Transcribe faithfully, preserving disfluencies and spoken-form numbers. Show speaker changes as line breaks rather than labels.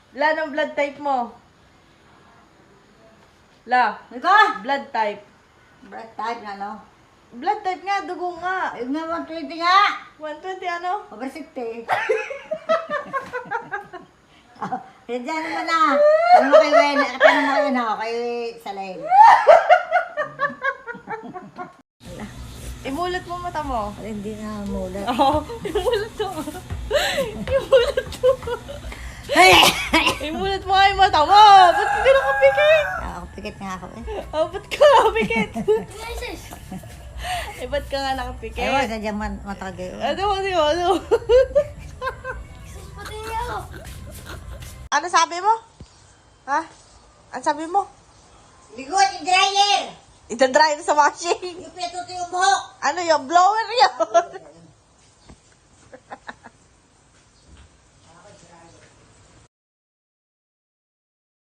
La, ng blood type mo? La,
Ika?
blood type.
Blood type na, no?
Blood type nga, dugo nga.
Ayun nga, one twenty nga.
one twenty ano?
Over sixty. Oh, yan dyan naman na. Ano mo kay Wen? Ano mo kay Wen? Kay Salain.
Imulat mo mata mo.
Ay, hindi na mula.
Oo, imulat mo. Imulat mo. Imulat mo nga yung mata mo. Ba't hindi nakapikit?
Ako, pikit nga ako eh.
Oh, ba't ka nakapikit? Eh, ba't ka nga nakapikit?
Ewan, sadya man matagay.
Ano mo, ano mo, ano mo? Ano sabi mo? Ha? Ano sabi mo?
Ligot, i-dryer!
Ita-dry na sa washing.
Yung pituto yung buhok!
Ano yung blower yun?